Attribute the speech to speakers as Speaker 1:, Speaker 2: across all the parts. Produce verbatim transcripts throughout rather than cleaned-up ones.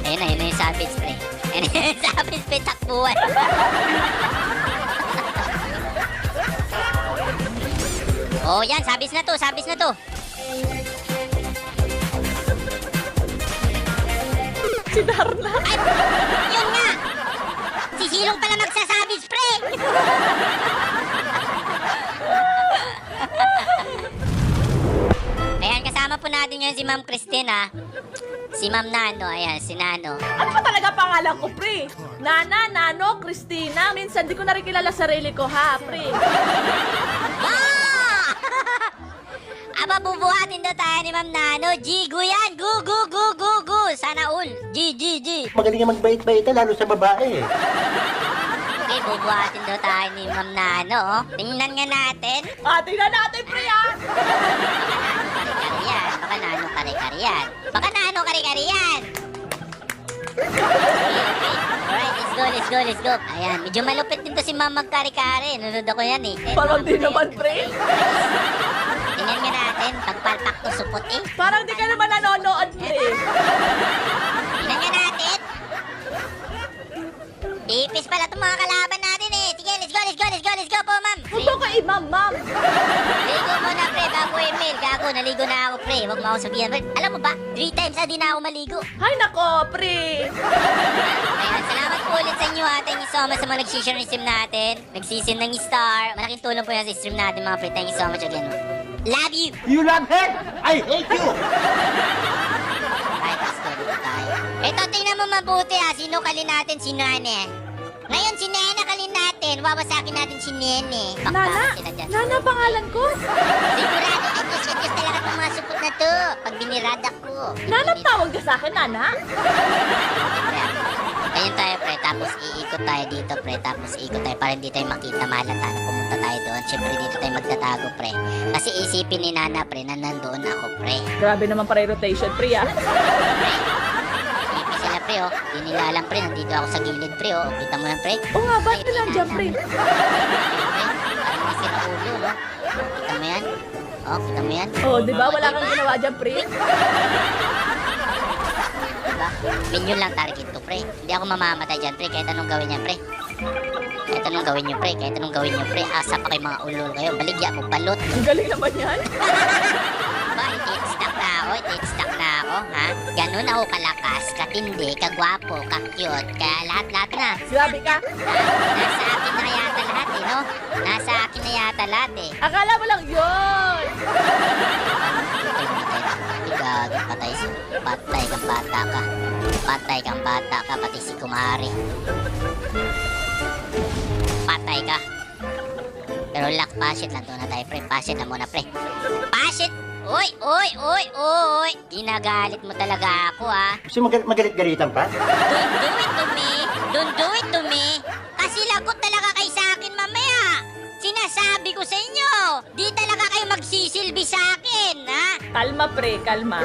Speaker 1: Ayun na, yun na yung savage, pre. Ayun na yung savage, pre, takbuhan. Oh, yan, sabis na to, sabis na to.
Speaker 2: Si Darna.
Speaker 1: Ay, yun nga. Si Silong pala magsasabis, pre. Ayan, kasama po natin ngayon si Ma'am Christina. Si Ma'am Nano, ayan, si Nano.
Speaker 2: Ano ba talaga pangalan ko, pre? Nana, Nano, Christina. Minsan di ko na rin kilala sarili ko, ha, pre?
Speaker 1: Ah! Aba, bubuhatin daw tayo ni Ma'am Nano. Gigo yan, gu, gu, gu, gu, gu. Sana all. G, G, G.
Speaker 3: Magaling nga magbait-bait lalo sa babae.
Speaker 1: Okay, bubuhatin daw tayo ni Ma'am Nano. Oh. Tingnan nga natin.
Speaker 2: Ah, tingnan natin, pre, ha?
Speaker 1: Kare-kare yan. Baka Nano kare-kare yan. Baka Nano kare-kare yan. Okay, okay. Alright, let's go, let's go, let's go. Ayan, medyo malupit din to si Ma'am magkare-kare. Nanonood ako yan eh.
Speaker 2: Parang di naman, pre.
Speaker 1: Tingnan nga natin, pagpalpak to supot eh.
Speaker 2: Parang di ka naman nanonood, pre.
Speaker 1: Tingnan nga natin. Ipis pala itong mga kalaban natin eh. Sige, let's go, let's go, let's go, let's go po, ma'am.
Speaker 2: Huwag mo ko imam, ma'am.
Speaker 1: Ligo muna, pre, bago email. Gago, naligo na ako, pre. Huwag mo ako sabihan. Pre, alam mo ba, three times na di na ako maligo.
Speaker 2: Hay nako, pre.
Speaker 1: Ayan, salamat po ulit sa inyo ha. Thank you so much sa mga nag-share ng stream natin. Nag-season ng star. Malaking tulong po yan sa stream natin, mga pre. Thank you so much again. Love you!
Speaker 3: You love her? I hate you!
Speaker 1: Right, let's go dito tayo. Ito, tingnan mo mabuti ha. Sino kalin natin? Si Nene. Ngayon, si Nene kalin natin. Wawasakin natin si Nene.
Speaker 2: Nana,
Speaker 1: Bakbakan sila dyan.
Speaker 2: Nana pangalan ko.
Speaker 1: Sigurado, ay Diyos, ay Diyos talaga itong mga supot na to. Pag binirada ko.
Speaker 2: Nana, tawag ka sa akin, Nana.
Speaker 1: Ayun tayo, pre. Tapos iikot tayo dito, pre. Tapos iikot tayo para hindi tayo makita malata na pumunta tayo doon. Siyempre, dito tayo magtatago, pre. Kasi isipin ni Nana, pre, na nandoon ako, pre.
Speaker 2: Grabe naman para rotation, pre, ah.
Speaker 1: Pre. Isipin sila, pre, oh. Di nila alam, pre. Nandito ako sa gilid, pre, oh. Kita mo yan, pre.
Speaker 2: Oo nga, ba't ka nandiyan, pre?
Speaker 1: Pre, parang may sinaulo, no? Kita mo yan? Oh, kita mo yan?
Speaker 2: Oo, di ba? Wala kang ginawa dyan, pre.
Speaker 1: Diba? Minion lang target to, pre. Hindi ako mamamatay dyan, pre. Kahit anong gawin niya, pre. Kahit anong gawin niyo, pre. Kahit anong gawin niyo, pre. Asa pa kayo mga ulol kayo. Baligya mo, balot.
Speaker 2: Ang galing naman yan.
Speaker 1: Ba, iti-stack na ako. Iti-stack na ako, ha? Ganun ako kalakas, katindi, kagwapo, ka-cute. Kaya lahat-lahat na.
Speaker 2: Grabe ka.
Speaker 1: Nasa akin na yata lahat, eh, no? Nasa akin na yata lahat, eh.
Speaker 2: Akala mo lang yun.
Speaker 1: Gagi, patay si... Patay kang bata ka. Patay kang bata ka, pati si Kumari. Patay ka. Pero lock, pasit lang doon na tayo, pre. Pasit na muna, pre. Pasit! Uy, uy, uy, uy! Ginagalit mo talaga ako, ha?
Speaker 3: Gusto mo magalit- magalit-galitan pa?
Speaker 1: Don't do it to me! Don't do it to me! Kasi lagot talaga kayo sa akin mamaya! Sinasabi ko sa inyo! Di talaga kayo magsisilbi sa akin, ha?
Speaker 2: Kalma, pre, kalma.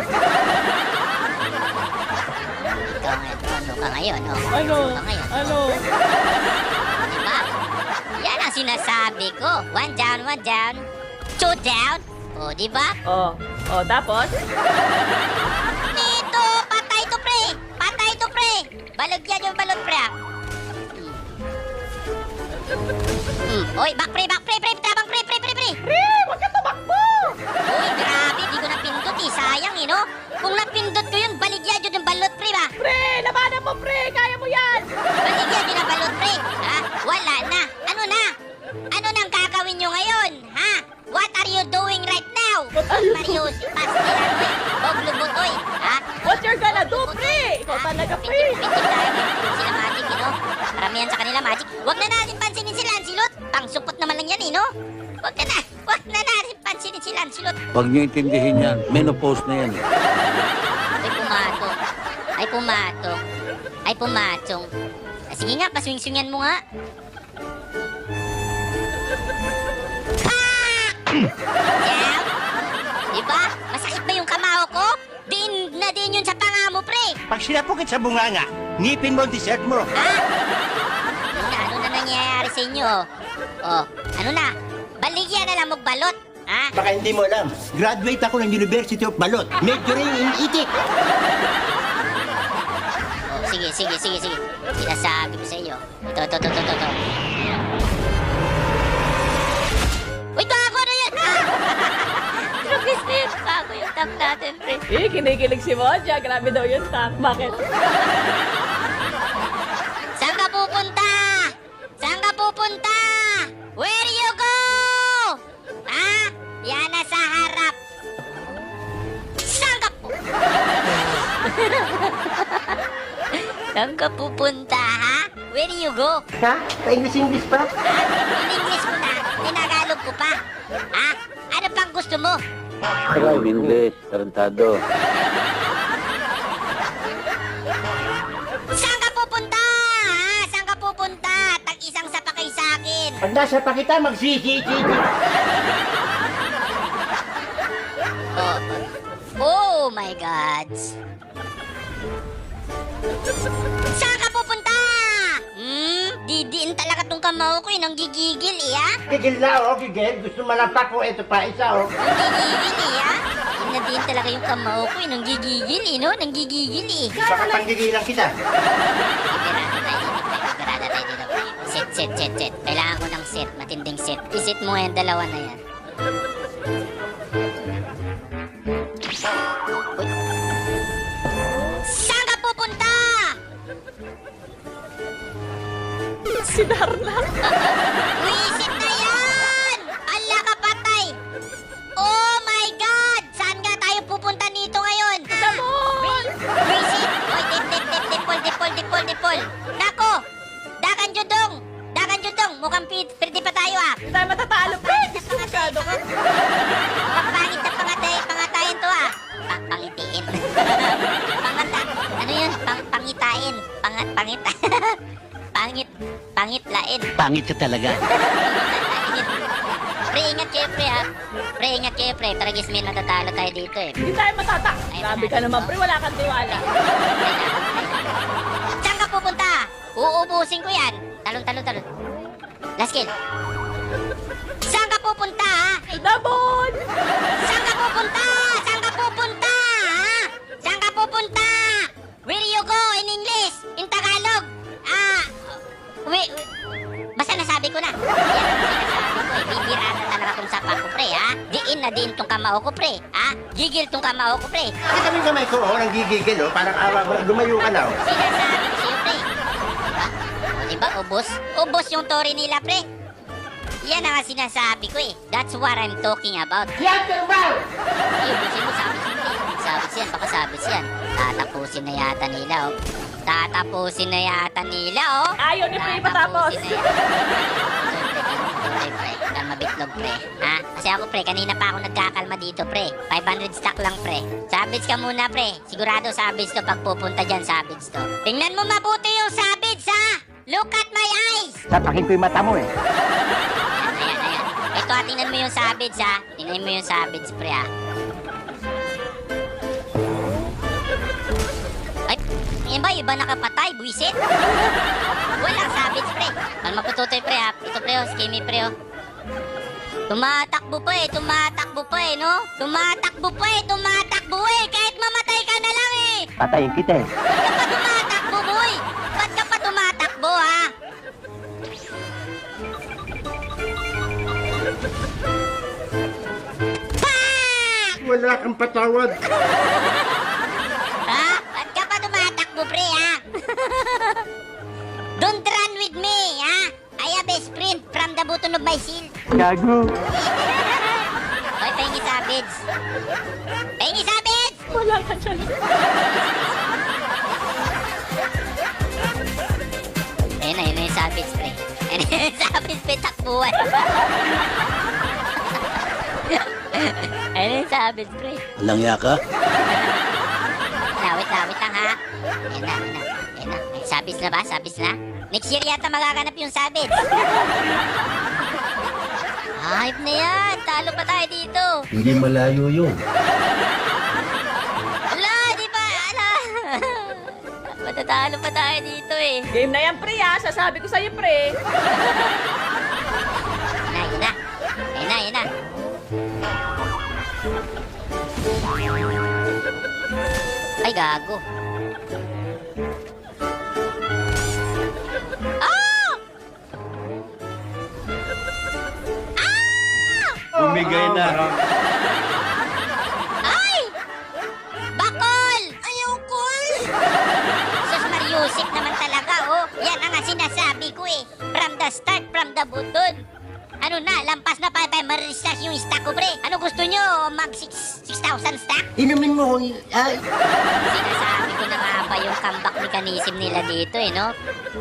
Speaker 1: Ikaw ngayon, ano ka ngayon, oh?
Speaker 2: Ano?
Speaker 1: ka ngayon, oh?
Speaker 2: Ano?
Speaker 1: Diba? Yan ang sinasabi ko. One down, one down. Two down. O, diba?
Speaker 2: Oh, oh, tapos?
Speaker 1: Dito! Patay to, pre! Patay to, pre! Balog yan yung balot, pre, ah. Hmm. Oy, back, pre, back, pre, pre! Tabang, pre, pre, pre, pre!
Speaker 2: Pre, wag ka tumakbo!
Speaker 1: Uy, grabe, di ko napindot, eh. Sayang, eh, no? Kung napindot ko yun, baligyan yun yung balot, pre, ba?
Speaker 2: Pre, labanan mo, pre! Kaya mo yan!
Speaker 1: Baligyan yun ang balot, pre. Ha? Wala na. Ano na? Ano nang gagawin nyo ngayon? Ha? What are you doing right now?
Speaker 2: What are you
Speaker 1: Mario, si Pastilan, oy. Boglo Butoy. Ha?
Speaker 2: What you're gonna do, pre? Ikaw talaga, pre!
Speaker 1: Pintik-pintik tayo. Sila Magic, eh, no? Karamihan sa kanila, Magic. Huwag na natin pansinin si Lancelot. Pangsupot naman lang yan, eh, no? Huwag na na. Huwag na natin pansinin si Lancelot.
Speaker 4: Huwag niyo intindihin yan. Menopause na yan. eh.
Speaker 1: Ay, pumato. Ay, pumato. Ay, pumatong. Ah, sige nga, paswing-swingan mo nga. Jam? Diba? Masakit ba yung kamao ko? Din na din yun sa panga mo, pre.
Speaker 3: Pag sinapukit sa bunganga, ngipin mo ang dessert mo.
Speaker 1: Ha? Ano na, ano na nangyayari sa inyo? Oh, ano na? Baligyan na lang magbalot. Ha?
Speaker 3: Baka hindi mo alam, graduate ako ng University of Balot, majoring in itik.
Speaker 1: Oh, sige, sige, sige. Sinasabi ko sa iyo. Ito, ito, ito, ito, ito. Uy, gago na yan! Trapis na yun. Gago yung tank natin, pre.
Speaker 2: Eh, kinikilig si Moja. Grabe daw yung tank. Bakit?
Speaker 1: Saan ka pupunta? Saan ka pupunta? Where you go? Ha? Yan na sa harap. Saan ka pu... Saan ka pupunta, ha? Where you go?
Speaker 3: Ha? Pa-English-English pa?
Speaker 1: In-English ko na, tinagalog ko pa. Ha? Ano pang gusto mo?
Speaker 4: Alam English, tarantado.
Speaker 1: Saan ka pupunta? Ha? Saan ka pupunta? Tag-isang sapakay sa akin.
Speaker 3: Pag nasa pa kita, mag-si-si-si.
Speaker 1: Oh, oh my God. Saan ka pupunta? Hmm? Didiin talaga tong kamao ko eh. Nanggigigil eh, ha?
Speaker 3: Gigil na, oh, gigil. Gusto malapak ko. Ito pa, isa, oh.
Speaker 1: Nanggigigil eh, ha? Inadiin talaga yung kamao ko eh. Nanggigigil eh, no? Nanggigigil eh.
Speaker 3: Baka panggigilan kita.
Speaker 1: Iberada tayo dito, pre. Iberada tayo dito, pre. Set, set, set, set. Kailangan ko ng set. Matinding set. Isit mo yung dalawa na yan. Uy. Saan ka pupunta?
Speaker 2: Si Darna.
Speaker 1: Wisit na yan! Ala ka patay! Oh my God! Saan nga tayo pupunta nito ngayon?
Speaker 2: Damon!
Speaker 1: Wisit! Oy, dip, dip, dip, dipol, dipol, dipol, dipol! Nako! Dagan judong! Dagan judong! Mukhang pi- pwede pa tayo ah!
Speaker 2: Hindi tayo matatalo, pre. Diskulikado ka.
Speaker 1: Pangit na pangatay, pangatayin to ah! Pa- pangitiin. Pangata. Ano yun? Pang pangitain. Pangat, pangit. Pangit. Pangitlain.
Speaker 4: Pangit ka talaga.
Speaker 1: Pangitlain. Pre, ingat kayo, pre, ha? Pre, ingat kayo, pre. Taragis may natatalo tayo dito, eh.
Speaker 2: Hindi tayo matata. Grabe ka naman, pre. Wala kang tiwala.
Speaker 1: Saan ka pupunta? Uubusin ko yan. Talon, talon, talon. Last kill. Saan ka pupunta, ha?
Speaker 2: Damon!
Speaker 1: Saan ka pupunta? Saan ka pupunta, ha? Saan ka pupunta? Where you go in English? In Tagalog? Ah, wait, basta nasabi ko na. Yan ang sinasabi ko eh. Bibirada talaga tong sapa ko, pre, ha? Diin na din tong kamao ko, pre, ha? Gigil tong kamao ko, pre.
Speaker 3: Kasi kami kamay ko, oh, nang gigigil, oh. Parang awa mo, lumayo ka na, oh.
Speaker 1: Sinasabi ko sa'yo, pre. Diba? O, diba, ubos? Ubos yung tori nila, pre. Yan ang sinasabi ko eh. That's what I'm talking about.
Speaker 3: Yan, Terbal!
Speaker 1: Ay, ubusin mo, sabis yun, pre. Sabis yan, baka sabis yan. Tatapusin na yata nila, oh. Tatapusin na yata nila, oh.
Speaker 2: Ayaw ni pre patapos.
Speaker 1: Tatapusin na yata. Pre, pre, pre. Mabitlog, pre. Ha? Kasi ako, pre, kanina pa ako nagkakalma dito, pre. five hundred stock lang, pre. Sabits ka muna, pre. Sigurado sabits to pag pupunta dyan, sabits to. Tingnan mo mabuti yung sabits, ha? Look at my eyes!
Speaker 3: Tapakin ko yung mata mo, eh.
Speaker 1: Ayan, ayan, ayan. Ito, ha, tingnan mo yung sabits, ha? Tingnan mo yung sabits, pre, ha? Ay, yan ba? Iba nakapatay, buwisit? Walang sabits, pre. Kalma po tutoy, pre, ha? Ito, pre, oh. Skimmy, pre, oh. Tumatakbo pa, eh. Tumatakbo pa, eh, no? Tumatakbo pa, eh. Tumatakbo, eh. Kahit mamatay ka na lang, eh.
Speaker 3: Patayin kita, eh.
Speaker 1: Ba't ka pa tumatakbo, boy? Ba't ka pa tumatakbo, ha? Pak!
Speaker 3: Wala kang patawad.
Speaker 1: Ha? Ba't ka pa tumatakbo, pre, ha? Don't run with me, ha? I have a sprint from the button of my seal.
Speaker 3: Gago.
Speaker 1: Hoy, pahingi sabids. Pahingi sabids!
Speaker 2: Wala ka dyan.
Speaker 1: Ayun na, yun na yung sabids, pre. Ayun na yung sabids, pre, takbuhan. Ayun na yung sabids, pre.
Speaker 4: Langya ka?
Speaker 1: Lawit, lawit lang, ha? Ayun na, ayun na. Ayun na. May sabids na ba? Sabids na? Next year yata magaganap yung sabids. Hype na yan. Talo pa tayo dito.
Speaker 3: Hindi malayo yun.
Speaker 1: Ala, di ba? Ala. Matatalo pa tayo dito eh.
Speaker 2: Game na yan, pre, ha? Sasabi ko sa'yo, pre.
Speaker 1: Yun na, yun na. Yun na, yun na. Ay, gago.
Speaker 3: Bigay na.
Speaker 1: Ay! Bakol! Ayaw ko! Sus Mariusip naman talaga, oh. Yan ang nga sinasabi ko eh. From the start, from the button. Ano na, lampas na pa pa maristash yung stock ko, pre. Ano gusto nyo? Mag six thousand stock?
Speaker 5: Inumin mo kung... Ay,
Speaker 1: Sinasabi ko na nga ba yung comeback mechanism nila dito eh, no?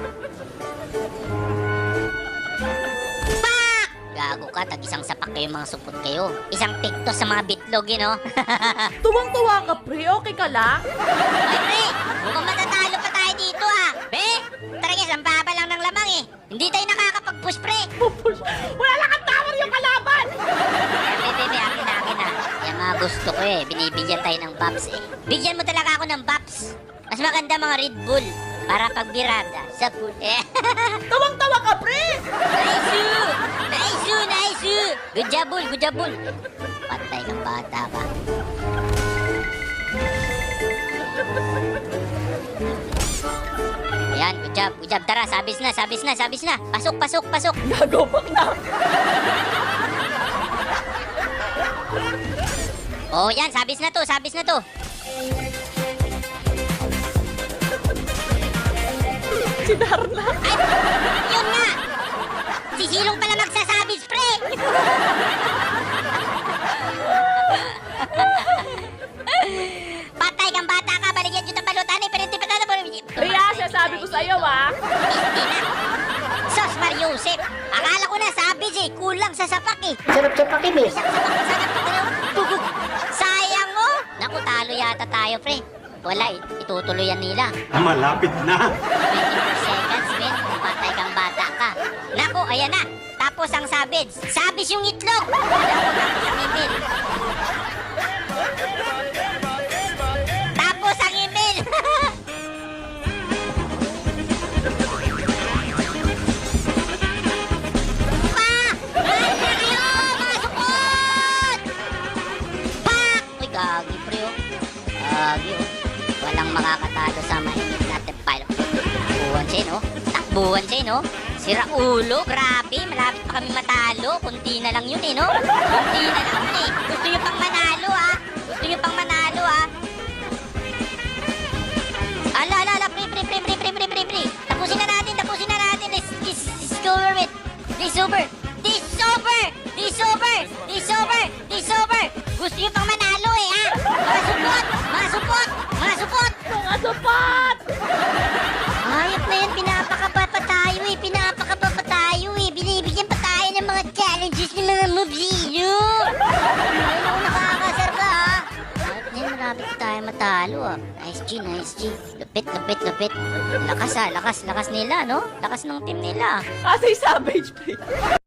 Speaker 1: Pak! Gago ka, tag-isang sapak kayo mga supot kayo. Isang piktos sa mga bitlog, eh, no?
Speaker 2: Tuwang-tuwa ka, pre. Okay ka lang?
Speaker 1: Ay, pre! Mukhang matatalo pa tayo dito, ah! Pre! Taragis, ang baba lang ng lamang, eh. Hindi tayo nakakapag-push, pre!
Speaker 2: Pupush. Wala lang ang tower yung kalaban!
Speaker 1: Bebe, bebe, akin na, akin na. Yung mga gusto ko, eh. Binibigyan tayo ng Baps, eh. Bigyan mo talaga ako ng Baps. Mas maganda mga Red Bull. Para pagbirada sa pool. Eh.
Speaker 2: Tuwang-tuwa ka, pre!
Speaker 1: Nice! Nice! Nice! Good job, Bull! Good job, Bull! Patay kang bata ka. Ayan, good job, good job. Tara, sabis na, sabis na, sabis na. Pasok, pasok, pasok.
Speaker 2: Nagobak na.
Speaker 1: Oh, yan, sabis na to, sabis na to.
Speaker 2: Si Darna.
Speaker 1: Ay, yun nga. Si Silong pala magsasabis, pre. Patay kang bata ka, baligyan dito balutan eh, pero hindi pa tayo.
Speaker 2: Ria, sasabi ko sa'yo, ah.
Speaker 1: Hindi na. Sos Mariusip, akala ko na sabis eh, kulang sa sapak eh.
Speaker 5: sarap sa pakinis.
Speaker 1: Isang sapak na sana pag tugog. Sayang oh. Naku, talo yata tayo, pre. Wala eh, itutuloy yan nila.
Speaker 3: Malapit na.
Speaker 1: twenty-four seconds, men. Patay kang bata ka. Naku, ayan na. Tapos ang sabits. Sabis yung itlog. Tapos ang email. Tapos ang email. Pa! Ay, kayo! Mga supot! Pak! Uy, gagi, pre, oh. Gagi, oh. Walang makakatalo sa mainit natin pile. Takbuhan siya, no? Takbuhan siya, no? Sira ulo, grabe. Malapit pa kami matalo. Kunti na lang yun, eh, no? Kunti na lang yun, eh. Gusto nyo pang manalo, ah. Gusto nyo pang manalo, ah. Ala, ala, ala. Pre, pre, pre, pre, pre, pre, pre, pre. Tapusin na natin, tapusin na natin. This, this, this is over with. This over. This over. This over. This over. This over. Gusto nyo pang manalo, eh, ha? Mga supot! Mga supot! Mga supot!
Speaker 2: Mga sapat!
Speaker 1: Ayop na yan, pinapakaba pa tayo eh, pinapakaba pa tayo eh, binibigyan pa tayo ng mga challenges ng mga moves eh, no? Ayun ako nakakasar ka ha. Ayop na yan, marami pa tayo matalo ah. Nice G, nice G. Lupit, lupit, lupit. Lakas ah, lakas, lakas nila no? Lakas ng team nila.
Speaker 2: Kasi savage, pre.